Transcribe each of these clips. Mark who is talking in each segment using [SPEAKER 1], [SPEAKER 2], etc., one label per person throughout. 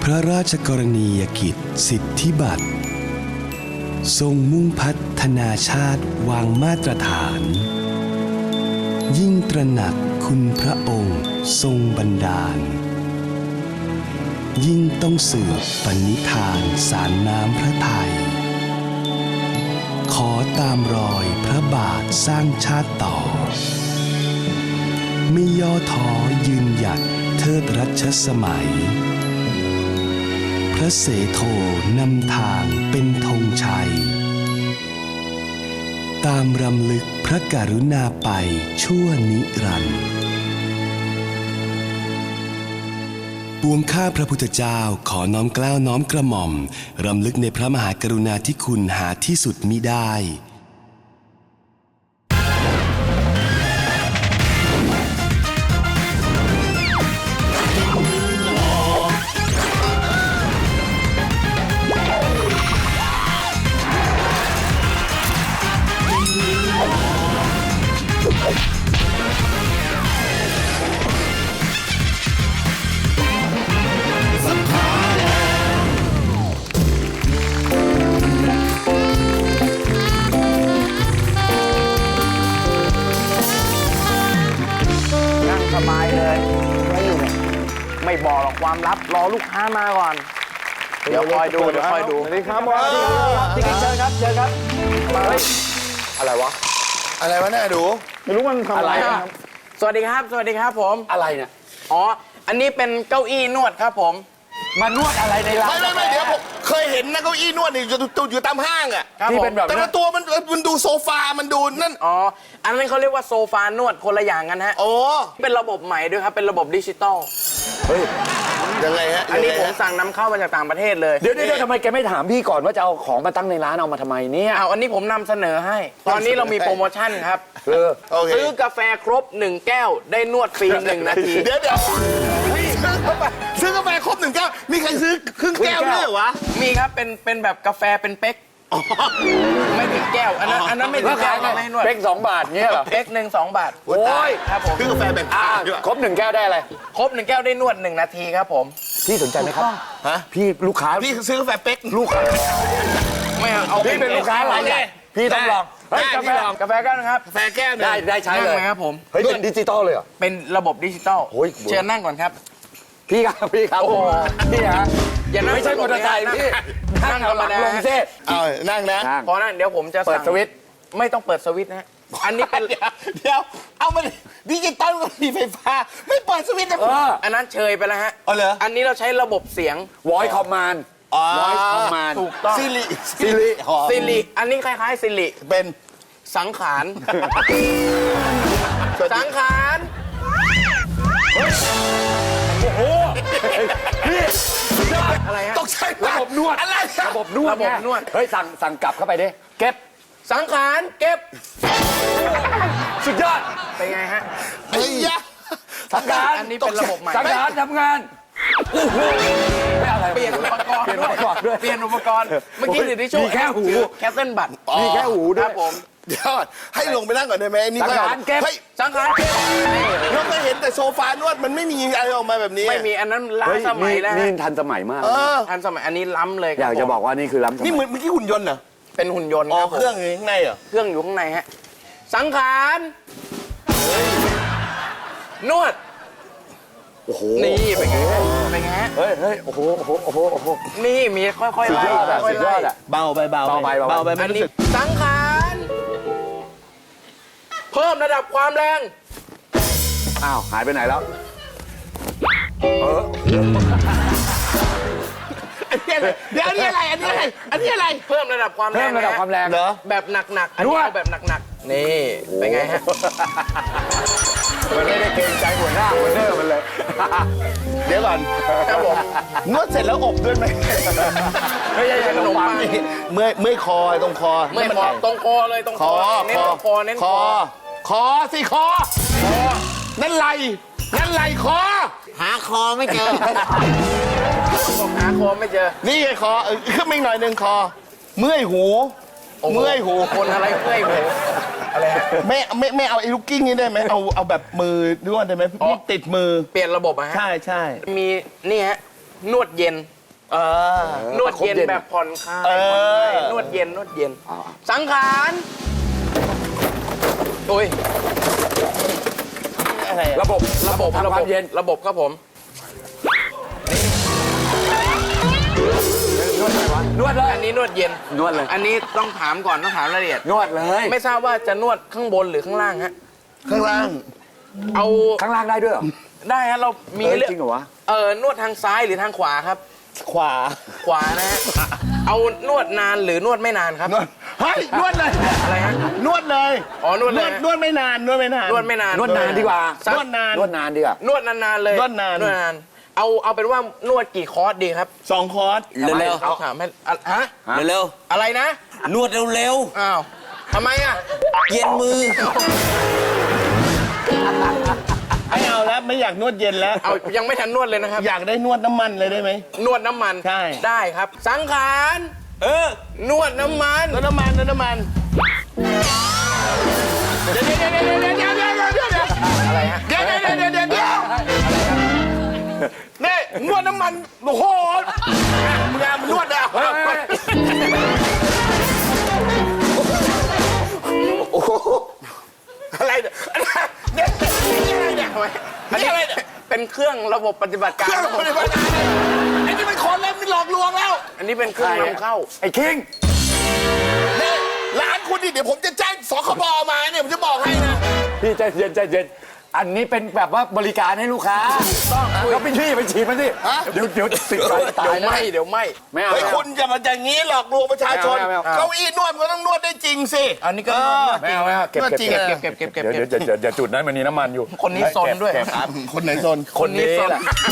[SPEAKER 1] ระราชกรณียกิจสิทธิบัตรทรงมุ่งพัฒนาชาติวางมาตรฐานยิ่งตระหนักคุณพระองค์ทรงบันดาลยิ่งต้องสืบปณิธานสารน้ำพระทัยขอตามรอยพระบาทสร้างชาติต่อไม่ย่อท้อยืนหยัดเทิดรัชสมัยพระเสโทนำทางเป็นธงชัยตามรำลึกพระกรุณาไปชั่วนิรันดร์ปวงข้าพระพุทธเจ้าขอน้อมเกล้าน้อมกระหม่อมรำลึกในพระมหากรุณาธิคุณหาที่สุดมิได้
[SPEAKER 2] สบายเลยไม่อยู่เนี่ยไม่บอกหรอกความลับรอลูกค้ามาก่อนเดี๋ยวคอยดูสวัสดีครับพี่กิ๊กเชิญครับมาเลยอะไรวะ
[SPEAKER 3] เนี่ยดู
[SPEAKER 2] ไม่รู้มันทำอะไรสวัสดีครับผม
[SPEAKER 3] อะไรเนี่ย
[SPEAKER 2] อ๋ออันนี้เป็นเก้าอี้นวดครับผมมานวดอะไรในร้าน
[SPEAKER 3] ไม่เดี๋ยวผมเคยเห็นนะเก้าอี้นวดนี่อยู่ตามห้างอ่ะ
[SPEAKER 2] ที่เป็นแบบ
[SPEAKER 3] แต่ละตัวมันดูโซฟามันดูนั่น
[SPEAKER 2] อ๋ออันนั้นเขาเรียกว่าโซฟานวดคนละอย่างกันฮะ
[SPEAKER 3] โอ้
[SPEAKER 2] เป็นระบบใหม่ด้วยครับเป็นระบบดิจิตอล
[SPEAKER 3] เฮ้ยยังไงฮะ
[SPEAKER 2] อันนี้ผมสั่งนำเข้ามาจากต่างประเทศเลย
[SPEAKER 4] เดี๋ยวทำไมแกไม่ถามพี่ก่อนว่าจะเอาของมาตั้งในร้านเอามาทำไมเนี่ย
[SPEAKER 2] อันนี้ผมนำเสนอให้ตอนนี้เรามีโปรโมชั่นครับซื้อกาแฟครบ1แก้วได้นวดฟรี1 นาที
[SPEAKER 3] เดี๋ยวซื้อกาแฟครบ1 แก้วมีใครซื้อครึ่งแก้วด้วยเหรอวะ
[SPEAKER 2] มีครับเป็นแบบกาแฟเป็นเป๊กไม่ถึงแก้วอันนั้นไม่ถึงแก้วไม่ให้นวด
[SPEAKER 4] เป๊ก2 บาทเงี้ยเหรอ
[SPEAKER 2] เป๊ก2 บาท
[SPEAKER 3] โอ้ย
[SPEAKER 2] ครับผม
[SPEAKER 3] ซื้อกาแฟแบบ
[SPEAKER 4] ครบ1 แก้วได้อะไร
[SPEAKER 2] ครบ1 แก้วได้นวด1 นาทีครับผม
[SPEAKER 4] พี่สนใจไหมครับ
[SPEAKER 3] ฮะ
[SPEAKER 4] พี่ลูกค้า
[SPEAKER 3] พี่ซื้อกาแฟเป๊ก
[SPEAKER 4] ลูกค้า
[SPEAKER 2] ไม่เอา
[SPEAKER 4] พี่เป็นลูกค้าอะไรพี่ต้องลอง
[SPEAKER 2] กาแฟกันครับ
[SPEAKER 3] กาแฟแก้ว
[SPEAKER 4] ได้ใช้เลย
[SPEAKER 2] ครับผม
[SPEAKER 4] เฮ้ยเป็นดิจิตอลเลยเหรอ
[SPEAKER 2] เป็นระบบดิจิตอลเชิญนั่งก่อนครับ
[SPEAKER 4] พี่ครับโอ้โหพี่ฮะไม่ใช่มอเตอร์ไซค์พี่
[SPEAKER 2] นั่งธรรมดา
[SPEAKER 4] ลงเซ่
[SPEAKER 3] นั่งนะ
[SPEAKER 2] พอนั่นเดี๋ยวผมจะ
[SPEAKER 4] เปิดสวิตช์
[SPEAKER 2] ไม่ต้องเปิดสวิตช์นะอันนี้เป็น
[SPEAKER 3] เดี๋ยวเอามาดิจิตอลกับมีไฟฟ้าไม่เปิดสวิตช์นะ
[SPEAKER 2] อันนั้นเชยไปแล้วฮะ
[SPEAKER 3] อั
[SPEAKER 2] นนี้เราใช้ระบบเสียง
[SPEAKER 4] voice command
[SPEAKER 2] ถูกต้อง
[SPEAKER 3] ซิ
[SPEAKER 2] ริอันนี้คล้ายๆซิริ
[SPEAKER 3] เป็น
[SPEAKER 2] สังขาร
[SPEAKER 4] โอ้โหพี่
[SPEAKER 2] อะไรฮะ
[SPEAKER 3] ต้องใช้
[SPEAKER 4] ระบบนวด
[SPEAKER 3] อะไร
[SPEAKER 4] ระบบนวดเฮ้ยสั่งกลับเข้าไปดิเก็บ
[SPEAKER 2] สังขารเก็บ
[SPEAKER 4] สุดยอด
[SPEAKER 2] เป็นไงฮะ
[SPEAKER 3] ไอ้ยะ
[SPEAKER 4] สังขาร
[SPEAKER 2] อันนี้เป็นระบบใหม่
[SPEAKER 4] สังขารทำงานไม่อะไร
[SPEAKER 2] เปลี่ยนอุปกรณ์ด้วยเปลี่ยนอุปกรณ์เมื่อกี้สิที่โชว์
[SPEAKER 4] มีแค่หู
[SPEAKER 2] แคสเซิลบัตร
[SPEAKER 4] มีแค่หูด้วย
[SPEAKER 2] ผม
[SPEAKER 3] เดี๋ยวให้ลงไปนั่งก่อนได้ไหมนี่
[SPEAKER 4] สังขารเก็บ
[SPEAKER 2] สังขารเก็บ
[SPEAKER 3] เราเคยเห็นแต่โซฟานวดมันไม่มีอะไรออกมาแบบนี้
[SPEAKER 2] ไม่มีอันนั้นล้าสมัยแล้ว
[SPEAKER 4] นี่ทันสมัยมาก
[SPEAKER 2] ทันสมัยอันนี้ล้ำเลย
[SPEAKER 4] อยากจะบอกว่านี่คือล้ำสมัย
[SPEAKER 3] นี่เมื่อกี้หุ่นยนต์เหรอ
[SPEAKER 2] เป็นหุ่นยนต์
[SPEAKER 3] เครื่องอยู่ข้างในเหรอ
[SPEAKER 2] เครื่องอยู่ข้างในฮะสังขารนวด
[SPEAKER 4] โอ้โห
[SPEAKER 2] นี่เป็นไง
[SPEAKER 4] เฮ้ยโอ้โห
[SPEAKER 2] นี่มีค่อยๆไล่
[SPEAKER 4] สุดยอด
[SPEAKER 3] เบาไป
[SPEAKER 2] อันนี้สังขารเพิ่มระดับความแรง
[SPEAKER 4] อ้าวหายไปไหนแล้ว
[SPEAKER 3] เดี๋ยวอันนี้อะไร
[SPEAKER 2] เพิ่มระดับความแรง
[SPEAKER 4] เหรอ
[SPEAKER 2] แบบหนักๆอันนี้เอาแบบหนักๆนี่เป็นไงฮะ
[SPEAKER 4] มันไม่ได้เกรงใจหัวหน้ามันเลย
[SPEAKER 3] เดี๋ยวก่อน
[SPEAKER 2] ครับผม
[SPEAKER 3] นวดเสร็จแล้วอบด้วยไหม
[SPEAKER 2] ไม่ใช่ขนมปัง
[SPEAKER 3] เมื่อยคอตรงคอ
[SPEAKER 2] ไม่พอตรงคอเลยตรงคอเน้นตรงคอเน้น
[SPEAKER 3] คอสิคอนั่นไหลคอ
[SPEAKER 2] หาคอไม่เจอหาคอไม่เจอ
[SPEAKER 3] นี่ไงคอขึ้นมาอีกหน่อยนึงคอเมื่อยหู
[SPEAKER 2] คนอะไรเมื่อยหูอะไรฮะ
[SPEAKER 3] ไม่เอาไอ้ลูกกิ้งนี่ได้ไหมเอาแบบมือนวดได้ไหมติดมือ
[SPEAKER 2] เปลี่ยนระบบอะฮะ
[SPEAKER 3] ใช่
[SPEAKER 2] มีนี่ฮะนวดเย็นนวดเย็นแบบผ่อนคลายนวดเย็นนวดเย็น สังขารโอ้ย
[SPEAKER 3] อะไรอะ
[SPEAKER 2] ระบบความเย็นระบบครับผม
[SPEAKER 4] นวดเลย
[SPEAKER 2] อันนี้นวดเย็น
[SPEAKER 4] นวดเลย
[SPEAKER 2] อันนี้ต้องถามก่อนต้องถามรายละเอียด
[SPEAKER 4] นวดเลย
[SPEAKER 2] ไม่ทราบว่าจะนวดข้างบนหรือข้างล่างฮะ
[SPEAKER 3] ข้างล่าง
[SPEAKER 2] เอา
[SPEAKER 4] ข้างล่างได้ด้วยเหรอ
[SPEAKER 2] ได้ฮะเรามี
[SPEAKER 4] เฮ้ย
[SPEAKER 2] เลือก
[SPEAKER 4] จริงเหรอวะ
[SPEAKER 2] นวดทางซ้ายหรือทางขวาครับ
[SPEAKER 3] ขวา
[SPEAKER 2] ขวานะฮะเอานวดนานหรือนวดไม่นานครับ
[SPEAKER 3] นวดเฮ้ยนวดเลย
[SPEAKER 2] อะไรฮะ
[SPEAKER 3] นวดเลย
[SPEAKER 2] อ๋อนวดเลย
[SPEAKER 3] นวดไม่นานนวดไม่นาน
[SPEAKER 2] นวดไม่นาน
[SPEAKER 4] นวดนานดีกว่า
[SPEAKER 2] สัก
[SPEAKER 3] นวดนาน
[SPEAKER 4] นวดนานดีกว่า
[SPEAKER 2] นวดนานๆเลย
[SPEAKER 3] นวดนาน
[SPEAKER 2] นวดนานเอาเป็นว่านวดกี่คอร์สดีครับ
[SPEAKER 3] 2 คอร์ส
[SPEAKER 4] เร็ว
[SPEAKER 2] เอาถามให้ฮะ
[SPEAKER 4] เร็ว
[SPEAKER 2] อะไรนะ
[SPEAKER 4] นวดเร็ว
[SPEAKER 2] อ้าวทำไมอ่ะ
[SPEAKER 4] ๆเย็นมือ
[SPEAKER 3] ไม่เอาแล้วไม่อยากนวดเย็นแล้ว
[SPEAKER 2] เอายังไม่ทันนวดเลยนะครับ
[SPEAKER 3] อยากได้นวดน้ำมันเลยได้ไหม
[SPEAKER 2] นวดน้ำมัน
[SPEAKER 3] ใช่
[SPEAKER 2] ได้ครับ สังขารนวดน้ำมัน
[SPEAKER 3] นวดน้ำมันนวดน้ำมันเดี๋ยว
[SPEAKER 2] อะไรฮะ
[SPEAKER 3] นี่นวดน้ำมันโอ้โหมึงนวดอ่ะอะไรเนี่ยนี่อะไรเนี่ย
[SPEAKER 2] อันนี้อะไรเป็นเครื่องระบบปฏิบัติการ
[SPEAKER 3] เครื่องปฏิบัติการไอ้นี่เป็นคนเล่นหลอกลวงแล้ว
[SPEAKER 2] อันนี้เป็นเครื่องนำเข้า
[SPEAKER 4] ไอ้คิง
[SPEAKER 3] นี่ร้านคุณนี่เดี๋ยวผมจะแจ้งสคบมาเนี่ยผมจะบอกให้นะ
[SPEAKER 4] พี่ใจเย็นใจเย็นอันนี้เป็นแบบว่าบริการให้ลูกค้าก็พี่ไปฉีดมันดิเดี๋ยวติดใจตายนะ
[SPEAKER 2] เดี๋ยวไม่
[SPEAKER 4] ไม่เอา
[SPEAKER 3] เฮ้ยคุณอย่ามาอย่างนี้หลอกลวงประชาชน
[SPEAKER 4] ไม่เอา
[SPEAKER 3] เก้าอี้นวดมันก็ต้องนวดได้จริงสิ
[SPEAKER 2] อันนี้ก็
[SPEAKER 4] ไม่เอาเก็บ
[SPEAKER 3] นวดจริง
[SPEAKER 2] เก็บ
[SPEAKER 4] เดี๋ยวจุดนั้นมันมีน้ำมันอยู่
[SPEAKER 2] คนนี้ซนด้วย
[SPEAKER 3] คนไหนซน
[SPEAKER 2] คนนี้ซน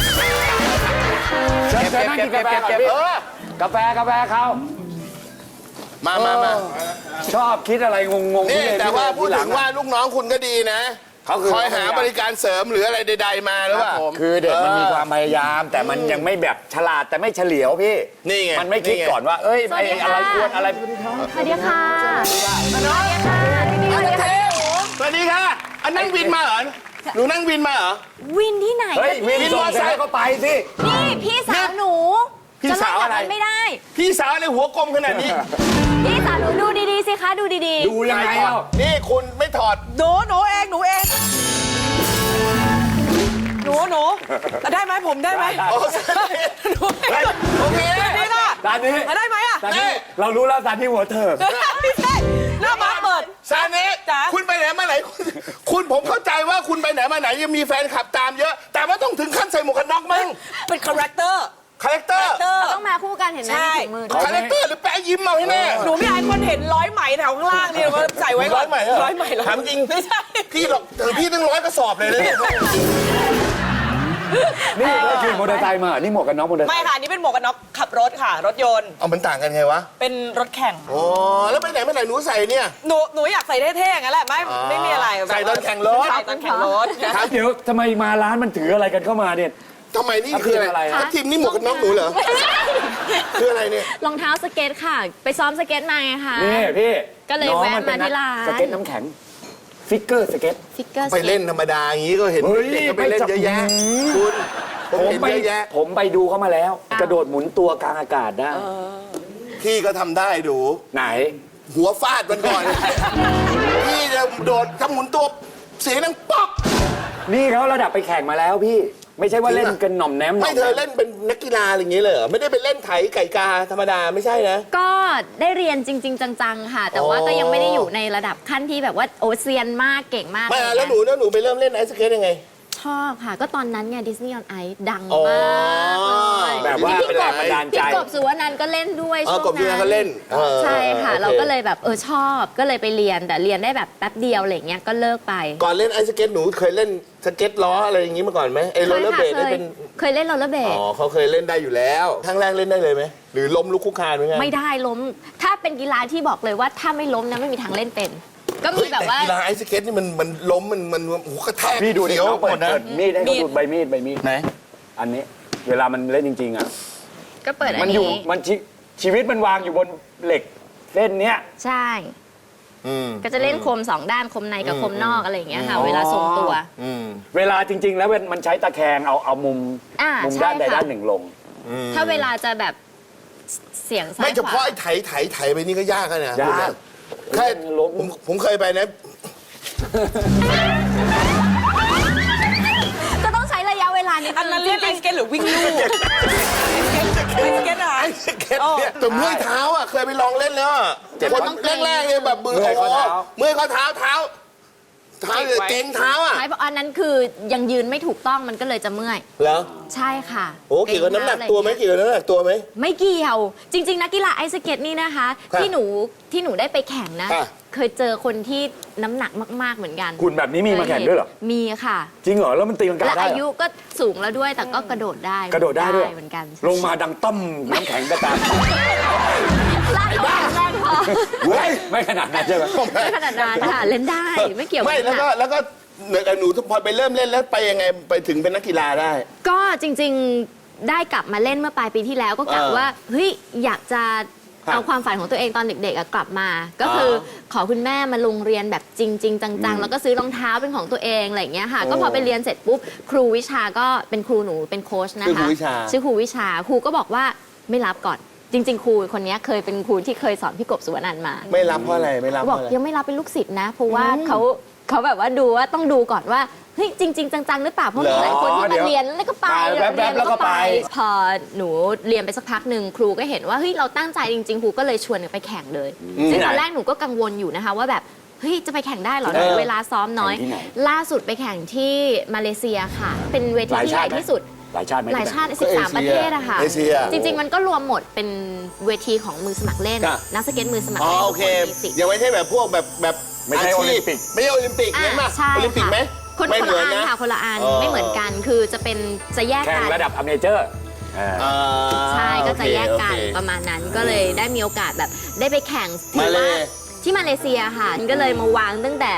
[SPEAKER 4] เชิญนั่งกินกาแฟก่อนพี่กาแฟเขา
[SPEAKER 3] มา
[SPEAKER 4] ชอบคิดอะไรงงๆ
[SPEAKER 3] นี่
[SPEAKER 4] พี่
[SPEAKER 3] แต่ว่าพูด
[SPEAKER 4] หลั
[SPEAKER 3] ถึงว่าลูกน้องคุณก็ดีนะ
[SPEAKER 4] เขาคือ
[SPEAKER 3] คอยหาบริการเสริมหรืออะไรใดๆมาหรือเปล่า
[SPEAKER 4] คือเด็กมันมีความพยายาม แต่มันยังไม่แบบฉลาดแต่ไม่เฉลียวพี่
[SPEAKER 3] นี่ไง
[SPEAKER 4] มันไม่คิดก่อนว่า เอ้ยไอ้อะไรควรอะไร
[SPEAKER 5] สวัสดีค่ะ
[SPEAKER 3] สวัสดีค่ะอันนั่งวินมาเหรอหนูนั่งวินมาเหรอ
[SPEAKER 5] วินที่ไหน
[SPEAKER 4] เฮ้ยวิน
[SPEAKER 3] วิน
[SPEAKER 4] ส่
[SPEAKER 3] ม
[SPEAKER 4] ง
[SPEAKER 3] อ
[SPEAKER 4] เสร็จ
[SPEAKER 3] ไซค์
[SPEAKER 4] แล้วก็ไปสิ
[SPEAKER 5] นี่พี่สาวหนู
[SPEAKER 3] พี่สาวอะไร
[SPEAKER 5] จเล่นแบบนั้นไม่ได้
[SPEAKER 3] พี่สาวอะไรหัวกลมขนาดนี้
[SPEAKER 5] พี่สาวหนูดูดีๆสิคะดูดี
[SPEAKER 4] ดูยังไงเอ้า
[SPEAKER 3] นี่คุณไม่ถอด
[SPEAKER 6] หนูเองได้ไหมผมได้ไหม
[SPEAKER 3] โอ้โอเค
[SPEAKER 6] นี่ค่ะ
[SPEAKER 4] ตอนนี้
[SPEAKER 6] ได้ไหมอ่ะ
[SPEAKER 4] ตอนนี้เรารู้แล้วตอนที่หัวเธอ
[SPEAKER 6] ไม่ใช่หน้าบ้านเปิด
[SPEAKER 3] ซาเน่
[SPEAKER 6] จ๋า
[SPEAKER 3] คุณไปไหนมาไหนคุณผมเข้าใจว่าคุณไปไหนมาไหนยังมีแฟนคลับตามเยอะ แต่ว่าต้องถึงขั้นใส่หมวกกันน็อกมั้ง
[SPEAKER 6] เป็นคาแรคเตอร์
[SPEAKER 3] คาแรคเตอร์
[SPEAKER 5] ๆต้องมาคู่กันเห็นไหม
[SPEAKER 6] ใช่
[SPEAKER 5] มีถุงมือด้วย
[SPEAKER 3] คาแรคเตอร์หรือแปะยิ้มเอาให้แน่
[SPEAKER 6] หนูไม่อยากให้คนเห็นร้อยไหมแถวข้างล่างนี่มาใส่ไว้ก่อน
[SPEAKER 3] ร้อยไหมเหรอ
[SPEAKER 6] ร้อยไหมเหรอ
[SPEAKER 3] ถามจริง
[SPEAKER 6] ไม่ใช่
[SPEAKER 3] พี่หรอกพี่ตั้ง100 กระสอบเลยนะเนี่ย
[SPEAKER 4] นี่ก็คือมอเตอร์ไซค์มา นี่หมวกกันน็อกมอเตอร์ไซ
[SPEAKER 6] ไม่
[SPEAKER 4] ค์
[SPEAKER 6] ค่ะนี่เป็นหมวกกันน็อกขับรถค่ะ รถยนต์
[SPEAKER 3] เอามันต่างกันไงวะ
[SPEAKER 6] เป็นรถแข่ง
[SPEAKER 3] อ๋อแล้วไปไหนมาไหนหนูใส่เนี่ย
[SPEAKER 6] หนูอยากใส่เท่ๆอย่างนั้นแหละไม่มีอะไร
[SPEAKER 3] ใส่ตอนแข่งรถ
[SPEAKER 6] ใส่ตอนแข่งรถ
[SPEAKER 4] เดี๋ยวทำไมมาร้านมันถืออะไรกันเข้ามาเนี่ย
[SPEAKER 3] ทำไมนี่คืออะไร
[SPEAKER 4] ทับทิมอะไร
[SPEAKER 3] ทับทิมนี่หมวกกันน็อกหนูเหรอคืออะไรเนี่ย
[SPEAKER 5] รองเท้าสเก็ตค่ะ ไปซ้อมสเก็ตมาไงคะ
[SPEAKER 4] นี่พี่
[SPEAKER 5] ก็เลย
[SPEAKER 4] น้อง
[SPEAKER 5] แวะ
[SPEAKER 4] นเป็น
[SPEAKER 5] มาที่ร้าน
[SPEAKER 4] สเก็ตน้ำแข็ง ฟิกเกอร์สเก็ต
[SPEAKER 5] ฟิกเกอร์
[SPEAKER 3] ไปเล่นธรรมดาอย่างนี้ก็เห็น
[SPEAKER 4] เฮ้ย
[SPEAKER 3] เด็กก็ไปเล่นเยอะแยะคุณผมเห็นเยอะแยะ
[SPEAKER 4] ผมไปดูเขามาแล้ว กระโดดหมุนตัวกลางอากาศได้
[SPEAKER 3] พี่ก็ทำได้ดู
[SPEAKER 4] ไหน
[SPEAKER 3] หัวฟาดมันก่อน พี่จะโดดทำหมุนตัวเสียงดังป๊อก
[SPEAKER 4] นี่เขาระดับไปแข่งมาแล้วพี่ ไม่ใช่ว่าเล่นกันหน่อมแนมหน่
[SPEAKER 3] ไม่
[SPEAKER 4] อม
[SPEAKER 3] เธอ
[SPEAKER 4] แน
[SPEAKER 3] เล่นเป็นนักกีฬาอะไรอย่างนี้เลยเหรอไม่ได้ไปเล่นไถไก่กาธรรมดาไม่ใช่นะ
[SPEAKER 5] ก็ได้เรียนจริง ๆ จังๆค่ะ แต่ว่าก็ยังไม่ได้อยู่ในระดับขั้นที่แบบว่าโอ้เซียนมากเก่งมาก
[SPEAKER 3] ไม่
[SPEAKER 5] อะไร
[SPEAKER 3] แล้ว
[SPEAKER 5] เงี้ย
[SPEAKER 3] หนูไปเริ่มเล่นไอซ์สเก็ตยังไง
[SPEAKER 5] ชอบค่ะ ก็ตอนนั้นไงดิสนีย์ออนไอซ์ดัง
[SPEAKER 3] อ๋อ
[SPEAKER 5] มากเลย
[SPEAKER 4] แบบว่า
[SPEAKER 5] พี่
[SPEAKER 4] เป็น
[SPEAKER 5] ก
[SPEAKER 4] แรง
[SPEAKER 5] บ
[SPEAKER 4] บันดาลใจ
[SPEAKER 5] พี่กบสุวรรณันท์ก็เล่นด้วย
[SPEAKER 3] อ๋อ
[SPEAKER 5] ช่วง
[SPEAKER 3] กบสุวรรณันท์ก็เล่น
[SPEAKER 5] ใช่ค่ะ
[SPEAKER 3] โอเค
[SPEAKER 5] เราก็เลยแบบชอบก็เลยไปเรียนแต่เรียนได้แบบแป๊บเดียวอะไรเงี้ยก็เลิกไป
[SPEAKER 3] ก่อนเล่นไอซ์สเก็ตหนูเคยเล่นสเก็ตล้ออะไรอย่างนี้มาก่อนไหมไอ้โรลเลอร์เบลดได้เป็น
[SPEAKER 5] เคยเล่นโรลเลอร์เบลด
[SPEAKER 3] อ๋อเขาเคยเล่นได้อยู่แล้วครั้งแรกเล่นได้เลยไหมหรือล้มลุกคุกคานไหมไง
[SPEAKER 5] ไม่ได้ล้ม ถ้าเป็นกีฬาที่บอกเลยว่าถ้าไม่ล้มนะไม่มีทางเล่นเป็น ก็มีแบบว่า
[SPEAKER 3] กีฬาไอซ์สเก็ตนี่มันล้มมันโอ้โหกระแทก
[SPEAKER 4] พี่ดูดิ
[SPEAKER 3] เสียว
[SPEAKER 4] เขาเปิ
[SPEAKER 3] หม
[SPEAKER 4] ด
[SPEAKER 3] ดนะ
[SPEAKER 4] มีดให้เขาดูใบมีด
[SPEAKER 3] ไหน
[SPEAKER 4] อันนี้ เวลามันเล่นจริงๆอ่ะ
[SPEAKER 5] ก็เปิดอั
[SPEAKER 4] มัน นอยู่
[SPEAKER 5] นี้
[SPEAKER 4] มันชีวิตมันวางอยู่บนเหล็กเส้นเนี้ย
[SPEAKER 5] ใช่
[SPEAKER 3] อืม
[SPEAKER 5] ก็จะเล่นคมสองด้านคมในกับคมนอกอะไรอย่างเงี้ยค่ะ เวลาทรงตัว
[SPEAKER 3] อืม
[SPEAKER 4] เวลาจริง ๆ แล้วมันใช้ตะแคงเอามุม
[SPEAKER 5] อ่า
[SPEAKER 4] มุม
[SPEAKER 5] ใช่
[SPEAKER 4] ด้านใด
[SPEAKER 5] ค่ะ
[SPEAKER 4] ด้านหนึ่งลง
[SPEAKER 5] ถ้าเวลาจะแบบเสียงซ้าย
[SPEAKER 3] ไม่เฉ
[SPEAKER 5] ข
[SPEAKER 3] พาะ
[SPEAKER 5] วา
[SPEAKER 3] ไอ้ไถไปนี่ก็ยากนะ
[SPEAKER 4] ยาก
[SPEAKER 3] แค่ผมเคยไปนะ
[SPEAKER 5] ก็ต้องใช้ระยะเวลานิด
[SPEAKER 6] อันนั้นเรียกไอสเก็ตหรือวิ่งลู่ไอสเก็ตอะ
[SPEAKER 3] ไอ้สเก็ตเนี่ยแต่เมื่อยเท้าอ่ะเคยไปลองเล่นแล้วอะคนแรกๆเนี่ยแบบมือ
[SPEAKER 4] เมื่อยข้อเท้า
[SPEAKER 3] เมื่อยข้อเท้าเนี่ยเก่งเท้าอ่ะ
[SPEAKER 5] ใช่เพราะอันนั้นคือยังยืนไม่ถูกต้องมันก็เลยจะเมื่อย
[SPEAKER 3] เหรอ
[SPEAKER 5] ใช่ค่ะ
[SPEAKER 3] โอ้เกี่ยวกับน้ำหนักตัวไหมเกี่ยวกับน้ำหนักตัวไหม
[SPEAKER 5] ไม่เกี่ยว จริง ๆ นักกีฬาไอสเก็ตนี่นะคะ
[SPEAKER 3] ครับ
[SPEAKER 5] ที่หนูได้ไปแข่งนะ
[SPEAKER 3] ค่ะ
[SPEAKER 5] เคยเจอคนที่น้ำหนักมาก ๆ เหมือนกัน
[SPEAKER 4] คุณแบบนี้มีมาแข่งด้วยเหรอ
[SPEAKER 5] มีค่ะ
[SPEAKER 4] จริงเหรอ แล้วมันตีลังกา
[SPEAKER 5] และ
[SPEAKER 4] ได้
[SPEAKER 5] อา
[SPEAKER 4] เหร
[SPEAKER 5] ยุ
[SPEAKER 4] อ
[SPEAKER 5] ก็สูงแล้วด้วยแต่ก็กระโดดได้
[SPEAKER 4] กระโดดได้ด้วย
[SPEAKER 5] เหมือนกัน
[SPEAKER 4] ลงมาดังต้มน้ำแข็งกระตาม
[SPEAKER 5] ลากเขาแรงพอ
[SPEAKER 4] เว้ยไม่ขนาดนั้นใช่ไหม
[SPEAKER 5] ไม่ขนาดนั้นค่ะเล่นได้ไม่เกี่ยว
[SPEAKER 3] ไม่
[SPEAKER 5] กับ
[SPEAKER 3] แล้วก็หนูพอไปเริ่มเล่นแล้วไปยังไงไปถึงเป็นนักกีฬาได้
[SPEAKER 5] ก็จริง ๆได้กลับมาเล่นเมื่อปลายปีที่แล้วก็กะว่าเฮ้ยอยากจะ
[SPEAKER 3] ครับ
[SPEAKER 5] เอาความฝันของตัวเองตอนเด็กๆอะกลับมา ก็คือขอคุณแม่มาลงเรียนแบบจริง ๆ จังๆ แล้วก็ซื้อรองเท้าเป็นของตัวเองอะไรอย่างเงี้ยค่ะ ก็พอไปเรียนเสร็จปุ๊บครูวิชาก็เป็นครูหนูเป็นโค้ชนะคะ
[SPEAKER 3] ชื่อครูวิชา
[SPEAKER 5] ชื่อครูวิชาครูก็บอกว่าไม่รับก่อน จริง ๆ ครูคนนี้เคยเป็นครูที่เคยสอนพี่กบสุวรรณันท์มา
[SPEAKER 3] ไม่รับเพราะอะไรไม่รับ
[SPEAKER 5] เขา
[SPEAKER 3] เพ
[SPEAKER 5] บอก
[SPEAKER 3] ราะอะไร
[SPEAKER 5] ยังไม่รับเป็นลูกศิษย์นะ เพราะว่าเขาแบบว่าดูว่าต้องดูก่อนว่าเฮ้ยจริง ๆ จังๆหรือเปล่าเพราะมีหลายคนที่มาเรียนแล้วก็ไป
[SPEAKER 4] แวบๆแล้วก็ไป
[SPEAKER 5] พอหนูเรียนไปสักพักหนึ่งครูก็เห็นว่าเฮ้ยเราตั้งใจจริงๆครูก็เลยชวนหนูไปแข่งเลยซึ่งตอนแรกหนูก็กังวลอยู่นะคะว่าแบบเฮ้ยจะไปแข่งได้เหรอเวลาซ้อมน้อย
[SPEAKER 4] แข่งที่ไหน
[SPEAKER 5] ล่าสุดไปแข่งที่มาเลเซียค่ะ เป็นเวทีที่ใหญ่ที่สุด
[SPEAKER 4] หลายชาติไหม
[SPEAKER 5] หลายชาติ
[SPEAKER 3] ก็เอเชีย
[SPEAKER 5] 13 ประเทศอะค่ะ
[SPEAKER 3] เอเชีย
[SPEAKER 5] จริง ๆ มันก็รวมหมดเป็นเวทีของมือสมัครเล่น
[SPEAKER 3] ครับ
[SPEAKER 5] นักสเก็ตมือสมัคร
[SPEAKER 3] อ๋อ
[SPEAKER 5] เล่น
[SPEAKER 3] โอเค
[SPEAKER 5] ทุกนมีสิทธิ์
[SPEAKER 3] ยังไม่ใช่แบบพวกแบบ
[SPEAKER 4] ไม่ใช่
[SPEAKER 3] าชีพ
[SPEAKER 4] โอลิมปิก
[SPEAKER 3] ไม่ใช่โอลิมปิกเนี่ยป่ะ
[SPEAKER 5] ใช่
[SPEAKER 3] โอลิมปิกไหม
[SPEAKER 5] คน
[SPEAKER 3] ไม่
[SPEAKER 5] คน
[SPEAKER 3] เหมื
[SPEAKER 5] ละ
[SPEAKER 3] อน
[SPEAKER 5] อัน
[SPEAKER 3] นะ
[SPEAKER 5] ค่ะคนละอัน
[SPEAKER 3] อ๋อ
[SPEAKER 5] ไม่เหมือนกันคือจะแยก
[SPEAKER 4] แข่
[SPEAKER 5] กั
[SPEAKER 4] ง
[SPEAKER 5] น
[SPEAKER 4] ระดับอเมเจอร์
[SPEAKER 3] อ่า
[SPEAKER 5] ใช่ก็จะ
[SPEAKER 3] โอเค
[SPEAKER 5] แยกกัน
[SPEAKER 3] โอเค
[SPEAKER 5] ประมาณนั้นก็เลยได้มีโอกาสแบบได้ไปแข่ง
[SPEAKER 3] มาเล
[SPEAKER 5] ที่มาเลเซียค่ะก็เลยมาวางตั้งแต่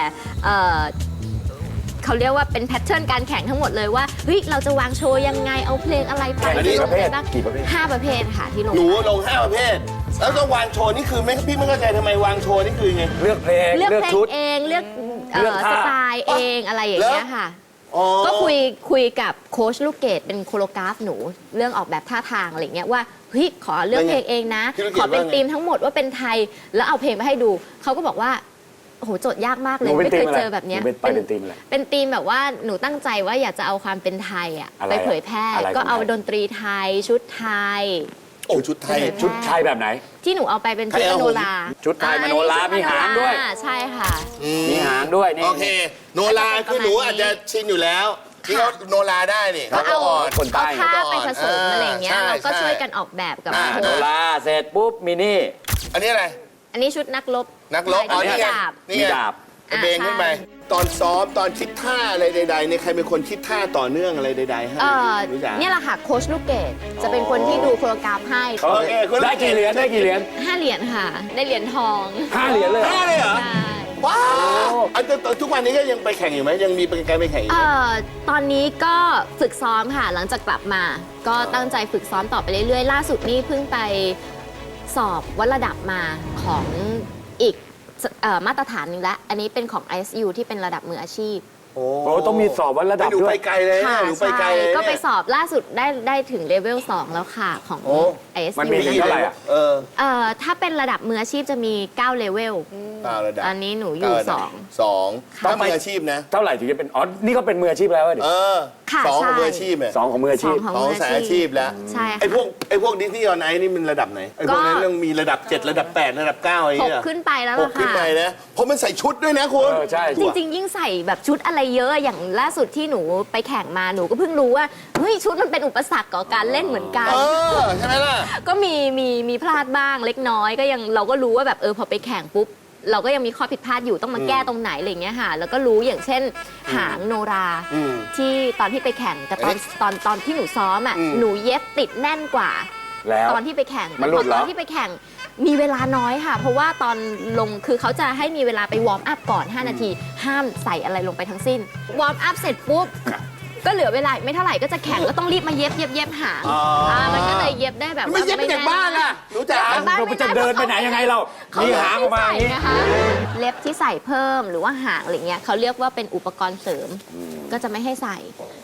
[SPEAKER 5] เขาเรียกว่าเป็นแพทเทิร์นการแข่งทั้งหมดเลยว่าเฮ้ยเราจะวางโชว์ยังไงเอาเพลงอะไรไป
[SPEAKER 4] แข่งกี่ประเภท
[SPEAKER 5] บ้าง
[SPEAKER 4] กี่ประเภท
[SPEAKER 5] 5 ประเภทค่ะที่ลง
[SPEAKER 3] หนูลง5ประเภท แล้วก็วางโชว์นี่คือพี่ไม่เข้าใจทำไมวางโชว์นี่คือไง
[SPEAKER 4] เลือกเพลง
[SPEAKER 5] เลือก
[SPEAKER 4] เลือก
[SPEAKER 5] เพลง
[SPEAKER 4] ชุด
[SPEAKER 5] เองเลือก
[SPEAKER 4] เลือกท่า
[SPEAKER 5] สไตล์เองอะไรอย่างเงี้ยค่ะ
[SPEAKER 3] อ๋อ
[SPEAKER 5] ก็คุยกับโค้ชลูกเกดเป็นโคโรกราฟหนูเรื่องออกแบบท่าทางอะไรเงี้ยว่าเฮ้ยขอเลือกเพลงเองนะ
[SPEAKER 3] พี่ลูกเกด
[SPEAKER 5] ขอเป็น
[SPEAKER 3] ว่าไง
[SPEAKER 5] ธีมทั้งหมดว่าเป็นไทยแล้วเอาเพลงมาให้ดูเขาก็บอกว่าโอ้โหโจทย์ยากมากเล
[SPEAKER 4] ห
[SPEAKER 5] ย
[SPEAKER 4] นูเป็น
[SPEAKER 5] ไม่เคย
[SPEAKER 4] ธีมอะไร
[SPEAKER 5] เจอแบบเนี้ย
[SPEAKER 4] หนูเป็นไปเป็นธีมอะไร
[SPEAKER 5] เป็นธีมแบบว่าหนูตั้งใจว่าอยากจะเอาความเป็นไทยอะ
[SPEAKER 4] อะไร
[SPEAKER 5] ไปเผยแพร่
[SPEAKER 4] อะไร
[SPEAKER 5] ก็เอา
[SPEAKER 4] ของไทย
[SPEAKER 5] ดนตรีไทยชุดไทย
[SPEAKER 3] โอ้ชุดไทย
[SPEAKER 4] ชุดไทยแบบไหน
[SPEAKER 5] ที่หนูเอาไปเป็นชุด
[SPEAKER 3] ไทย
[SPEAKER 5] ม
[SPEAKER 3] เอา
[SPEAKER 5] โนรา
[SPEAKER 4] ชุดไทยมโนรามีหางด้วย
[SPEAKER 5] ใช่ค่ะ
[SPEAKER 4] มีหางด้วยนี่
[SPEAKER 3] โอเค โนราคือหนูอาจจะชินอยู่แล้วที่เขาโนราได้นี่
[SPEAKER 5] ก็เอา
[SPEAKER 3] อ่อน
[SPEAKER 4] คนใต้
[SPEAKER 5] เอาท่าไปผสมอะไรอย่างเงี้ย
[SPEAKER 3] ใช่
[SPEAKER 5] เราก็
[SPEAKER 3] ใช่
[SPEAKER 5] ช่วยกันออกแบบกับ
[SPEAKER 3] อ่า
[SPEAKER 5] โค้
[SPEAKER 4] โน
[SPEAKER 5] ช
[SPEAKER 4] ราเสร็จปุ๊บมินี่
[SPEAKER 3] อันนี้อะไร
[SPEAKER 5] อันนี้ชุดนักรบ
[SPEAKER 3] นักรบอ๋อนี่ไง
[SPEAKER 5] ดาบ
[SPEAKER 3] นี่
[SPEAKER 4] มี
[SPEAKER 3] ไง
[SPEAKER 4] ดาบ
[SPEAKER 3] กระเบนขึ้นไป ตอนซ้อมตอนคิดท่าอะไรใดๆเนี่ยใครเป็นคนคิดท่าต่อเนื่องอะไรใดๆให้ รู้จัก
[SPEAKER 5] เนี่ยแหละค่ะโค้ชลูกเกดจะเป็นคนที่ดูโคโรกราฟให้
[SPEAKER 3] โอเคคุณ
[SPEAKER 4] ได้กี่เหรียญได้กี่เหรียญ
[SPEAKER 5] 5 เหรียญค่ะ ได้เหรียญทอง
[SPEAKER 4] 5 เหรียญเลยเหรอ
[SPEAKER 3] ท่าเลยเหรอ
[SPEAKER 5] ใช่
[SPEAKER 3] ว้าวอันทุกวันนี้ก็ยังไปแข่งอยู่ไหมยังมีการไปแข่งอยู่ไหม
[SPEAKER 5] ตอนนี้ก็ฝึกซ้อมค่ะ หลังจากกลับมา ก็ตั้งใจฝึกซ้อมต่อไปเรื่อยๆ ล่าสุดนี่เพิ่งไปสอบวัดระดับมาของอีกมาตรฐานหนึงแล้ว อันนี้เป็นของ ISU ที่เป็นระดับมืออาชีพ
[SPEAKER 3] โอ้
[SPEAKER 4] โอ้ต้องมีสอบวัดระดับ
[SPEAKER 3] หนู
[SPEAKER 4] ด้ว
[SPEAKER 3] ไป
[SPEAKER 4] ย
[SPEAKER 3] ไกลเลย
[SPEAKER 5] ค่ะ
[SPEAKER 3] หนูไปไกล
[SPEAKER 5] ใช่
[SPEAKER 3] เลย
[SPEAKER 5] ก็ไป
[SPEAKER 3] เนี่ย
[SPEAKER 5] สอบล่าสุดได้ถึงเลเวล 2 แล้วค่ะ ของ
[SPEAKER 3] โอ้
[SPEAKER 5] ISU
[SPEAKER 4] มันมีถึงเท่าไหร่อะ
[SPEAKER 3] เออ
[SPEAKER 5] ถ้าเป็นระดับมืออาชีพจะมี 9 เลเวล
[SPEAKER 3] ระดับ
[SPEAKER 5] อันนี้หนูอยู่
[SPEAKER 3] ระดับ
[SPEAKER 5] 2
[SPEAKER 3] สองถ้ามืออาชีพนะ
[SPEAKER 4] เท่าไหร่ถึงจะเป็นอ๋อนี่ก็เป็นมืออาชีพแล้วดิ
[SPEAKER 3] เออ
[SPEAKER 5] ค่ะ
[SPEAKER 3] สองของ
[SPEAKER 5] ใช่
[SPEAKER 3] มืออาชีพเนี่ย
[SPEAKER 4] สองของมืออาชีพ
[SPEAKER 5] ของ
[SPEAKER 3] ของ
[SPEAKER 5] มือ
[SPEAKER 3] สายอาชีพแล้ว
[SPEAKER 5] ใช่ค่ะ
[SPEAKER 3] ไอ้พวกดิสนีย์ออนไอนี่มันระดับไหนไอ้พวกนั้นต้องมีระดับ 7 ระดับ 8 ระดับ 9อะไรอย่าง
[SPEAKER 5] ห
[SPEAKER 3] เงี้
[SPEAKER 5] ก
[SPEAKER 3] ย
[SPEAKER 5] ขึ้นไปแล้ว
[SPEAKER 3] ห
[SPEAKER 5] ล่ะ
[SPEAKER 3] กขึ้น
[SPEAKER 5] ค่ะ
[SPEAKER 3] ไปนะเพราะมันใส่ชุดด้วยนะคุณ
[SPEAKER 4] เออใช่
[SPEAKER 5] จริงๆ ยิ่งใส่แบบชุดอะไรเยอะอย่างล่าสุดที่หนูไปแข่งมาหนูก็เพิ่งรู้ว่าเฮ้ยชุดมันเป็นอุปสรรคต่อการเล่นเหมือนกัน
[SPEAKER 3] เออใช่ไหมล่ะ
[SPEAKER 5] ก็มีพลาดบ้างเล็กน้อยก็ยังเราก็รู้ว่าแบบพอไปแข่งปุ๊บเราก็ยังมีข้อผิดพลาดอยู่ต้องมาแก้ตรงไหนอะไรอย่างเงี้ยค่ะแล้วก็รู้อย่างเช่นหางโนรา
[SPEAKER 3] อืม
[SPEAKER 5] ที่ตอนที่ไปแข่งกับตอนที่หนูซ้อมอ่ะ
[SPEAKER 3] อืม
[SPEAKER 5] หนูเย็บติดแน่นกว่า
[SPEAKER 4] แล้ว
[SPEAKER 5] ตอนที่ไปแข่ง
[SPEAKER 4] มันหลุดเหรอ
[SPEAKER 5] ตอนที่ไปแข่งมีเวลาน้อยค่ะ เพราะว่าตอนลงคือเขาจะให้มีเวลาไปวอร์มอัพก่อน 5 นาที ห้ามใส่อะไรลงไปทั้งสิ้น วอร์มอัพเสร็จปุ๊บ ก็เหลือเวลาไม่เท่าไหร่ก็จะแข่งก็ต้องรีบมาเย็บหาง
[SPEAKER 3] อ๋ออ่
[SPEAKER 5] มันก็เลยเย็บได้แบบ
[SPEAKER 3] ไม่เย็บไปจากบ้านอ่ะรู้จัก
[SPEAKER 4] เราจะเดินไปไหนยังไงเรา
[SPEAKER 5] เขา
[SPEAKER 4] มี
[SPEAKER 5] เล็บ
[SPEAKER 4] หางออก
[SPEAKER 5] ที่
[SPEAKER 4] มาอ
[SPEAKER 5] ใส่
[SPEAKER 4] ย่างนี้
[SPEAKER 5] นะคะเล็บที่ใส่เพิ่มหรือว่าหางอะไรเงี้ยเขาเรียกว่าเป็นอุปกรณ์เสริม ก็จะไม่ให้ใส่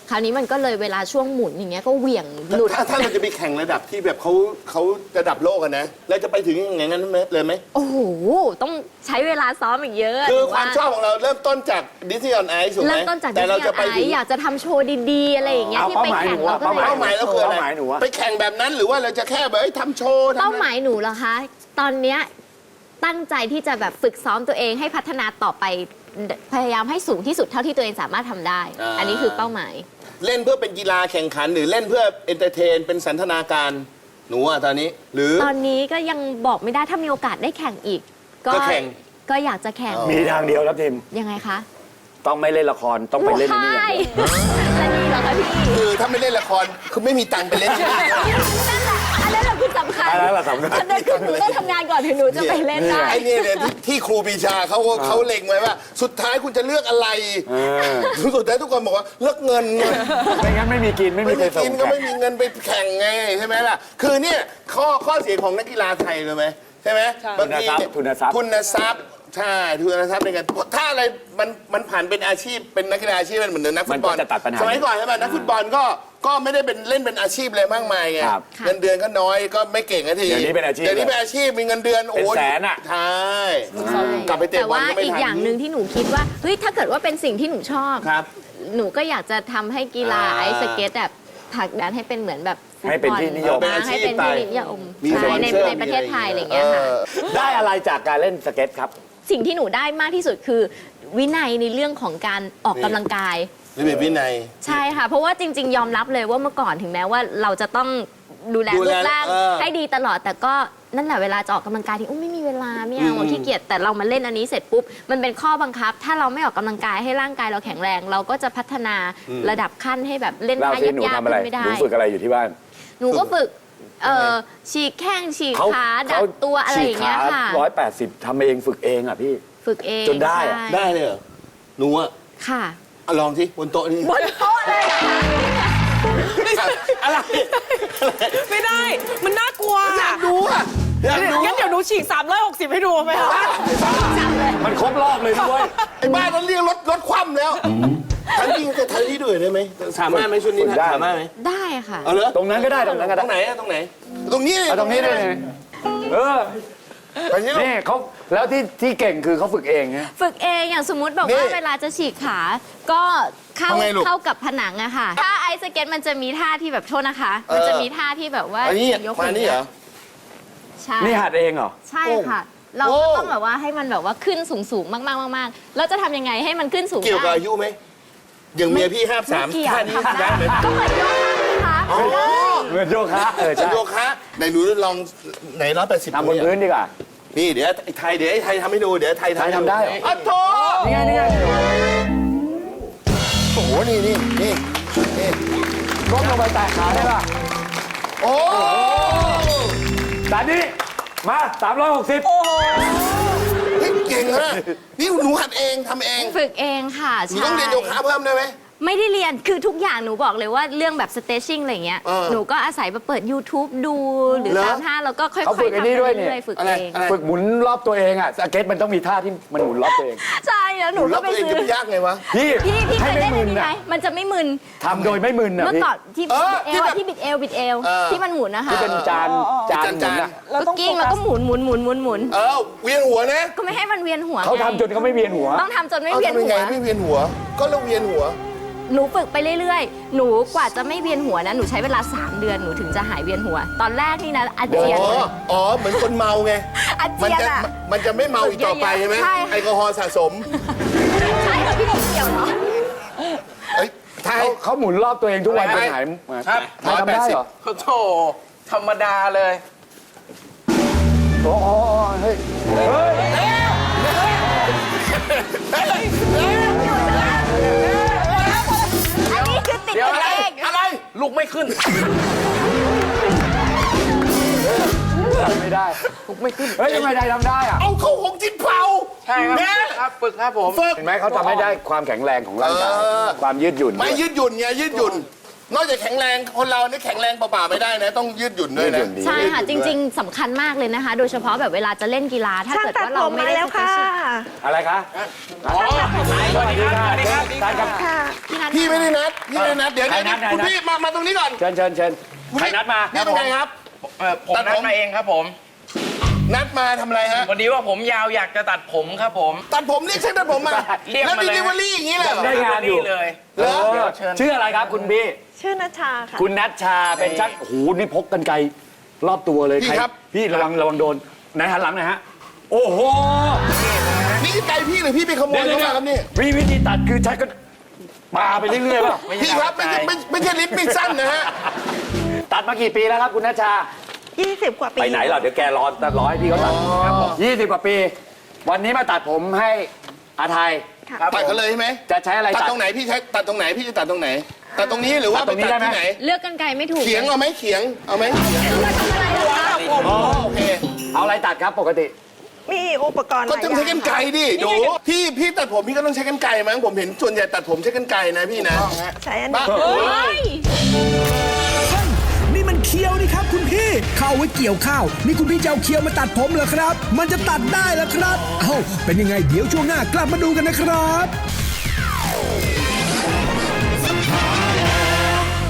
[SPEAKER 5] คราวนี้มันก็เลยเวลาช่วงหมุนอย่างเงี้ยก็เหวี่ยงหลุด
[SPEAKER 3] ถ้าเราจะไปแข่งระดับที่แบบเขาระดับโลกอะนะแล้วจะไปถึงอย่างนั้นเลยไหม
[SPEAKER 5] โอ้โห ต้องใช้เวลาซ้อมอีกเยอะ
[SPEAKER 3] คือความชอบของเราเริ่มต้นจากดิสนีย์ออนไอซ์ถูกไหม
[SPEAKER 5] เริ่มต้นจาก
[SPEAKER 3] แต่เราจะไปถึง
[SPEAKER 5] อยากจะทำโชว์ดีๆ อะไรอย่างเงี้ย
[SPEAKER 4] เอา
[SPEAKER 5] ที่ไปแข่ง
[SPEAKER 4] เป้าหมายหนูอะ
[SPEAKER 5] เราก็เลย
[SPEAKER 3] เป้าหมายเราคืออะไร
[SPEAKER 4] เป้าหมายหนูอะ
[SPEAKER 3] ไปแข่งแบบนั้นหรือว่าเราจะแค่แบบทำโชว์ทำ
[SPEAKER 5] เป้า
[SPEAKER 3] อะไร
[SPEAKER 5] หมายหนูเหรอคะ ตอนเนี้ยตั้งใจที่จะแบบฝึกซ้อมตัวเองให้พัฒนาต่อไปพยายามให้สูงที่สุดเท่าที่ตัวเองสามารถทำได้ อันนี้คือเป้าหมาย
[SPEAKER 3] เล่นเพื่อเป็นกีฬาแข่งขันหรือเล่นเพื่อเอนเตอร์เทนเป็นสันทนาการหนูอะตอนนี้ หรือ
[SPEAKER 5] ตอนนี้ก็ยังบอกไม่ได้ถ้ามีโอกาสได้แข่งอีก
[SPEAKER 3] ก็แข่ง
[SPEAKER 5] ก็อยากจะแข่ง
[SPEAKER 4] มีทางเดียวครับทีม
[SPEAKER 5] ยังไงคะ
[SPEAKER 4] ต้องไม่เล่นละครต้องไปเล่นนี่อย่างเดียว
[SPEAKER 5] จะดีเหรอคะพี่
[SPEAKER 3] คือถ้าไม่เล่นละครคือไม่มีตังค์ไปเล่น
[SPEAKER 5] นั่นแหละอันนั้นแหละคือสำคัญ
[SPEAKER 4] อันนั้นแหละสำคัญ
[SPEAKER 5] อันนั้นคือหนูต้องทำงานก่อนถึงหนูจะไปเล่นได้
[SPEAKER 3] ไอ้เนี่ยเนี่ยที่ครูปรีชาเขาเล็งไว้ว่า สุดท้ายคุณจะเลือกอะไรสุดท้ายทุกคนบอกว่าเลือกเงิน
[SPEAKER 4] ไม่งั้นไม่มีกินไม่มี
[SPEAKER 3] ไม่
[SPEAKER 4] ใคร
[SPEAKER 3] มี
[SPEAKER 4] ส่ง
[SPEAKER 3] กินก็ไม่มีเงินไปแข่งไงใช่ไหมล่ะคือเนี่ยข้อเสียของนักกีฬาไทยเลยไหมใช่ไหมบางทีเนี่ย
[SPEAKER 4] ทุนทรัพย์
[SPEAKER 3] ทุนทรัพย์ใช่ทุนทรัพย์ในการถ้าอะไรมันผ่านเป็นอาชีพเป็นนักกีฬาอาชีพมันเหมือนนักฟุตบอล
[SPEAKER 4] มันก็จะตัดปัญหา
[SPEAKER 3] สมัยก่อนใช่ไหมนักฟุตบอลก็ไม่ได้เป็นเล่นเป็นอาชีพเลยมากมายไง
[SPEAKER 4] ครับ
[SPEAKER 3] เงินเดือนก็น้อยก็ไม่เก่งนาที
[SPEAKER 4] เดี๋ยวนี้เป็นอาชีพ
[SPEAKER 3] เดี๋ยวนี้เป็นอาชีพมีเงินเดือนโอ้
[SPEAKER 4] เป็นแสนอะ
[SPEAKER 3] ใช่กลับไปเตะ
[SPEAKER 5] แต่
[SPEAKER 3] บอล
[SPEAKER 5] ว่า
[SPEAKER 3] ก็ไม่
[SPEAKER 5] อีก
[SPEAKER 3] ทัน
[SPEAKER 5] อย่างหนึ่งที่หนูคิดว่าเฮ้ยถ้าเกิดว่าเป็นสิ่งที่หนูชอบ
[SPEAKER 3] ครับ
[SPEAKER 5] หนูก็อยากจะทำให้กีฬา
[SPEAKER 3] อ่า
[SPEAKER 5] ไอซ์สเก็ตแบบผลักดันให้เป็นเหมือนแบบฟุตบอล
[SPEAKER 4] ให้เป็นที่นิยม
[SPEAKER 5] ให้เป็นที่นิยม
[SPEAKER 3] มี
[SPEAKER 5] ใช่
[SPEAKER 3] สปอน
[SPEAKER 5] ใน
[SPEAKER 3] เซอร์
[SPEAKER 5] ในประเทศไทยอะไรอย่างเงี้ยค่ะ
[SPEAKER 4] ได้อะไรจากการเล่นสเก็ตครับ
[SPEAKER 5] สิ่งที่หนูได้มากที่สุดคือวินัยในเรื่องของการออกกำลังกาย
[SPEAKER 3] ระเบียบวินัย
[SPEAKER 5] ใช่ค่ะ เพราะว่าจริง ๆ ยอมรับเลยว่าเมื่อก่อนถึงแม้ว่าเราจะต้องดูแล
[SPEAKER 3] ดู
[SPEAKER 5] รู
[SPEAKER 3] แล
[SPEAKER 5] ปร่าง ให้ดีตลอด แต่ก็นั่นแหละเวลาจะออกกำลังกายที่ไม่มีเวลาไม่เอาขี้เกียจแต่เรามาเล่นอันนี้เสร็จปุ๊บมันเป็นข้อบังคับ ถ้าเราไม่ออกกำลังกายให้ร่างกายเราแข็งแรง เราก็จะพัฒนาระดับขั้นให้แบบเล่น
[SPEAKER 4] เรา
[SPEAKER 5] ท่า
[SPEAKER 4] ที่หนู
[SPEAKER 5] ยาก
[SPEAKER 4] ทำ
[SPEAKER 5] ๆ
[SPEAKER 4] อะไร
[SPEAKER 5] ขึ้นไม่ได้
[SPEAKER 4] หนูฝึกอะไรอยู่ที่บ้าน
[SPEAKER 5] หนูก็ฝึกฉีกแข้งฉีกขาดัดตัวอะไรอย่างเงี้ยค่ะ
[SPEAKER 4] 180ทำเองฝึกเองอ่ะพี่
[SPEAKER 5] ฝึกเอง
[SPEAKER 4] จนได้อะ
[SPEAKER 5] ใช่
[SPEAKER 3] ได้เลยเหรอหนูอะ
[SPEAKER 5] ค่ะ
[SPEAKER 3] ลองสิบนโต๊ะนี่
[SPEAKER 5] บนโต๊ะเลยเหรอคะ
[SPEAKER 3] อะไร
[SPEAKER 6] ไม่ได้ มันน่ากลัว
[SPEAKER 3] อยากดูอะอยากดู
[SPEAKER 6] งั้นเดี๋ยวหนูฉีก360ให้ดูไหมคะ
[SPEAKER 4] มันครบรอบเลยด้วย
[SPEAKER 3] ไอ้บ้านนั้นเรียกรถคว่ำแล้วทันทีจะทันทีด้วยได้ไหมสามารถไหมชุดนี้
[SPEAKER 4] ฝึกได้
[SPEAKER 3] สามารถไหม
[SPEAKER 5] ได้ค่ะ
[SPEAKER 3] เอาเหรอ
[SPEAKER 4] ตรงนั้นก็ได้ตรงนั้นก็
[SPEAKER 3] ต
[SPEAKER 4] ได้
[SPEAKER 3] รงไหนอะตรงไหน ตรงนี้
[SPEAKER 4] เอาตรงนี้ได้เลยเออ
[SPEAKER 3] ไปนี่
[SPEAKER 4] นี่เขาแล้วที่เก่งคือเขาฝึกเองไง
[SPEAKER 5] ฝึกเองอย่างสมมติแบบว่าเวลาจะฉีกขา ก็เข้ากับผนังอะค่ะ ถ้าไอซ์สเก็ตมันจะมีท่าที่แบบโทษนะคะ มันจะมีท่าที่แบบว่า
[SPEAKER 3] อันนี้
[SPEAKER 5] ยก
[SPEAKER 3] มานี่เหรอ
[SPEAKER 5] ใช่
[SPEAKER 4] นี่หัดเองเหรอ
[SPEAKER 5] ใช่ค่ะ เราก็ต้องแบบว่าให้มันแบบว่าขึ้นสูงๆมากๆแล้วจะทำยังไงให้มันขึ้นสูง
[SPEAKER 3] เกี่ยวกับ
[SPEAKER 5] ได้
[SPEAKER 3] อายุไหมอย่างเมียพี่53
[SPEAKER 5] ไม่เกี่ยว
[SPEAKER 3] ท่านี้
[SPEAKER 5] ทำ
[SPEAKER 3] ได้
[SPEAKER 5] ได้
[SPEAKER 3] ไหม
[SPEAKER 5] ก็เหมือนโยคะนะคะ
[SPEAKER 3] อ๋อ
[SPEAKER 4] เหมือนโยคะใช่
[SPEAKER 3] โยคะไหนหนูลองไหน180
[SPEAKER 4] ทำบนพื้นดีกว่า
[SPEAKER 3] นี่เดี๋ยวไอ้ไทยทำให้ดูเดี๋ยวไทย
[SPEAKER 4] ไทยทำได้เหรอ
[SPEAKER 3] อ๋อโถ
[SPEAKER 4] นี่ไงนี่ไง
[SPEAKER 3] โอ้โหนี่
[SPEAKER 4] ก้มลงไปแตะขาได้ป่ะ
[SPEAKER 3] โอ้
[SPEAKER 4] แต่นี่มา360
[SPEAKER 3] เฮ้ยเก่งนะนี่หนูหัดเองทำเอง
[SPEAKER 5] ฝึกเองค่ะ
[SPEAKER 3] หนู
[SPEAKER 5] ใช่
[SPEAKER 3] ต้องเรียนโยคะเพิ่มได้ไหม
[SPEAKER 5] ไม่ได้เรียน คือทุกอย่างหนูบอกเลยว่าเรื่องแบบ stretching อะไรเงี้ย
[SPEAKER 3] เออ
[SPEAKER 5] หนูก็อาศัยมาเปิด YouTube ดูหรือ
[SPEAKER 3] เหรอ
[SPEAKER 5] ตามท่าแล้วก็ค่อยๆ
[SPEAKER 4] เขาฝึกไอ้
[SPEAKER 5] ทำ
[SPEAKER 4] นี่ด้วย
[SPEAKER 5] ไป
[SPEAKER 4] นี่
[SPEAKER 5] เรื่อยๆฝึก
[SPEAKER 3] อะไร
[SPEAKER 5] เอง
[SPEAKER 3] อะไร
[SPEAKER 4] ฝึกหมุนรอบตัวเองอ่ะสเก็ตมันต้องมีท่าที่มันหมุนรอบตัวเอง
[SPEAKER 5] ใช่แล้วหนู
[SPEAKER 3] แล้
[SPEAKER 5] ก็
[SPEAKER 3] ว
[SPEAKER 5] ไป
[SPEAKER 3] ตัวเอง
[SPEAKER 5] ซื้
[SPEAKER 3] จะ
[SPEAKER 5] อ
[SPEAKER 3] ไม่ยากไงวะ
[SPEAKER 4] พี่
[SPEAKER 5] พี่เค
[SPEAKER 4] ให้
[SPEAKER 5] ย
[SPEAKER 4] ไม่
[SPEAKER 5] เล่น
[SPEAKER 4] มึ
[SPEAKER 5] อัน
[SPEAKER 4] น
[SPEAKER 5] นี้ไหม
[SPEAKER 4] อ่ะ
[SPEAKER 5] มันจะไม่มึน
[SPEAKER 4] ทำโดยไม่มึนอ่ะ
[SPEAKER 5] เมื่อ
[SPEAKER 4] พี่
[SPEAKER 5] ก่อนที่
[SPEAKER 3] เออ
[SPEAKER 5] เอ
[SPEAKER 3] ที่
[SPEAKER 5] ว
[SPEAKER 3] แบบ
[SPEAKER 5] ที่บิดเอว
[SPEAKER 3] เออ
[SPEAKER 5] ที่มันหมุนนะคะ
[SPEAKER 4] ที่เป็นจานหมุนอ่ะ
[SPEAKER 5] ก็กิ้งแล้วก็หมุน
[SPEAKER 3] เวียนหัวนะ
[SPEAKER 5] ก็ไม่ให้มันเวียนหัว
[SPEAKER 4] เขา
[SPEAKER 5] ไง
[SPEAKER 4] ทำจนเขาไม่เวียนหัว
[SPEAKER 5] ต้องทำจนไม่
[SPEAKER 3] เอา
[SPEAKER 5] เวียน
[SPEAKER 3] ทำยัง
[SPEAKER 5] หั
[SPEAKER 3] ไง
[SPEAKER 5] ว
[SPEAKER 3] ไม่เวียนหัว ก็เราเวียนหัว
[SPEAKER 5] หนูฝึกไปเรื่อยๆ หนูกว่าจะไม่เวียนหัวนะ หนูใช้เวลา 3 เดือน หนูถึงจะหายเวียนหัว ตอนแรกนี่นะอาเจียน
[SPEAKER 3] อ๋อ เหมือนคนเมาไง
[SPEAKER 5] อาเจียนอะ
[SPEAKER 3] มันจะไม่เมาอีกต่อไปใช่ไหม
[SPEAKER 5] ใช่ค่ะ
[SPEAKER 3] แอลกอฮอล์สะสม
[SPEAKER 5] ใช่ค่ะพี่ผมเกี่ยวเหรอ
[SPEAKER 3] เอ้ยไทย
[SPEAKER 4] เขาหมุนรอบตัวเองทุกวันจนหาย
[SPEAKER 3] ครับ
[SPEAKER 4] ไทยทำได้เหรอ
[SPEAKER 2] โธ่ธรรมดาเลย
[SPEAKER 4] โอ้โหเฮ้ยเฮ้ย
[SPEAKER 5] อันนี้คือติด
[SPEAKER 2] เดี๋ยว
[SPEAKER 5] กัน
[SPEAKER 2] อะไร
[SPEAKER 5] เอง
[SPEAKER 2] อะไร ลูกไม่ขึ้น
[SPEAKER 4] ทำไม่ได้ไม่ขึ้นเฮ้ยทำไมไทยทำได้อ่ะ
[SPEAKER 3] เอาเข้าหงจิ้นเผา
[SPEAKER 2] ใช่ครับ
[SPEAKER 3] เนี่ย
[SPEAKER 2] ครับ ฝึกครับผม
[SPEAKER 3] ฝึก
[SPEAKER 4] เห็นไหมเขาทำให้ได้ความแข็งแรงของร่างกาย
[SPEAKER 3] เออ
[SPEAKER 4] ความยืดหยุ่น
[SPEAKER 3] ไม่ยืดหยุ่นไงยืดหยุ่นนอกจากแข็งแรงคนเรานี่แข็งแรงเปล่าๆไม่ได้นะ ต้องยืดหยุ่นด้วยนะ
[SPEAKER 5] ใช่ค่ะ จริง ๆสำคัญมากเลยนะคะ โดยเฉพาะแบบเวลาจะเล่นกีฬาถ้า
[SPEAKER 6] ช่าง
[SPEAKER 5] เกิด
[SPEAKER 6] ตัด
[SPEAKER 5] ว่า
[SPEAKER 6] ผ
[SPEAKER 5] เรา
[SPEAKER 6] ม
[SPEAKER 5] ไม่
[SPEAKER 6] มา
[SPEAKER 5] ได้
[SPEAKER 6] แล้วค่ะ
[SPEAKER 4] อะไรคะ
[SPEAKER 3] อ๋อ
[SPEAKER 4] สวัสดีครับท่านครับ
[SPEAKER 6] ค่ะ
[SPEAKER 5] พี่นัท
[SPEAKER 3] พี่ไม่ได้นัดพี่ไม่ได้นัดเดี๋ยว
[SPEAKER 4] ใครนัด
[SPEAKER 3] คุณพี่มาตรงนี้ก่อน
[SPEAKER 4] เชิญใครนัดมา
[SPEAKER 3] พี่เป็นไงครับ
[SPEAKER 7] ผมนัดมาเองครับผม
[SPEAKER 3] นัดมาทำอะไรฮะ
[SPEAKER 7] วันนี้ว่าผมยาวอยากจะตัดผมครับผม
[SPEAKER 3] ตัดผมเรียกช่างตัดผมมา
[SPEAKER 7] เรียก
[SPEAKER 3] แล้ว
[SPEAKER 7] มา
[SPEAKER 3] ดิ
[SPEAKER 7] เลย
[SPEAKER 3] ลิเวอรี่อย่างนี้เลยเหรอ
[SPEAKER 4] ได้งานอยู่
[SPEAKER 7] เลย
[SPEAKER 3] เหรอ
[SPEAKER 4] เออชื่ออะไรครับคุณพี่
[SPEAKER 6] ชื่อนัชชาค่ะ
[SPEAKER 4] คุณนัชชาเป็นช่างโอ้โหนี่พกกันไกลรอบตัวเลย
[SPEAKER 3] พี่
[SPEAKER 4] ใคร
[SPEAKER 3] ครับ
[SPEAKER 4] พี่ระวังโดนไหนหันหลังหน่อยฮะโอ้โห
[SPEAKER 3] นี่ไก่พี่หรือพี่ไปขโมยเข้ามาครับนี่
[SPEAKER 4] วิธีตัดคือใช้ก็ปาไปเรื่อยๆป่ะ
[SPEAKER 3] พี่ครับไม่ใช่ลิปปิ้งสั้นนะฮะ
[SPEAKER 4] ตัดมากี่ปีแล้วครับคุณนัชชา
[SPEAKER 6] 20 กว่าปี
[SPEAKER 4] ไปไหนเหรอเดี๋ยวแกรอให้พี่เขาตัด20 กว่าปี วันนี้มาตัดผมให้อาไทย
[SPEAKER 3] ตัดกันเลยใช่ไหม
[SPEAKER 4] จะใช้อะไร
[SPEAKER 3] ตัด
[SPEAKER 4] ตัด
[SPEAKER 3] ตรงไหนพี่ใช้ตัดตรงไหนพี่จะตัดตรงไหนตัดตรงนี้หรือว่า
[SPEAKER 4] ตัดตรงนี้
[SPEAKER 3] ไปตัด
[SPEAKER 4] ได้
[SPEAKER 3] ที่
[SPEAKER 4] ไหม
[SPEAKER 3] ไหน
[SPEAKER 5] เลือกกันไกลไม่ถูก
[SPEAKER 3] เขียงเอาไหมเขียงเอาไหม
[SPEAKER 5] มาทำอะไรเหรอคะ
[SPEAKER 3] โอเค
[SPEAKER 4] เอาอะไรตัดครับปกติ
[SPEAKER 6] มีอุปกรณ์ห
[SPEAKER 3] ก็
[SPEAKER 6] ลาย
[SPEAKER 3] ต้อง
[SPEAKER 6] อย่า
[SPEAKER 3] ใช้กัน
[SPEAKER 6] ง
[SPEAKER 3] ไกรดิดูพี่ตัดผมพี่ก็ต้องใช้กันไกรมั้งผมเห็นส่วนใหญ่ตัดผมใช้กันไกรนะพี่นะ
[SPEAKER 6] ใช้อัน
[SPEAKER 3] บ้า
[SPEAKER 6] นี้
[SPEAKER 5] เฮ้ย
[SPEAKER 8] นี่มันเคียวนี่ครับคุณพี่เข้าไว้เกี่ยวข้าวนี่คุณพี่จะเอาเคียวมาตัดผมเหรอครับ มันจะตัดได้เหรอครับ เอ้าเป็นยังไงเดี๋ยวช่วงหน้ากลับมาดูกันนะครับ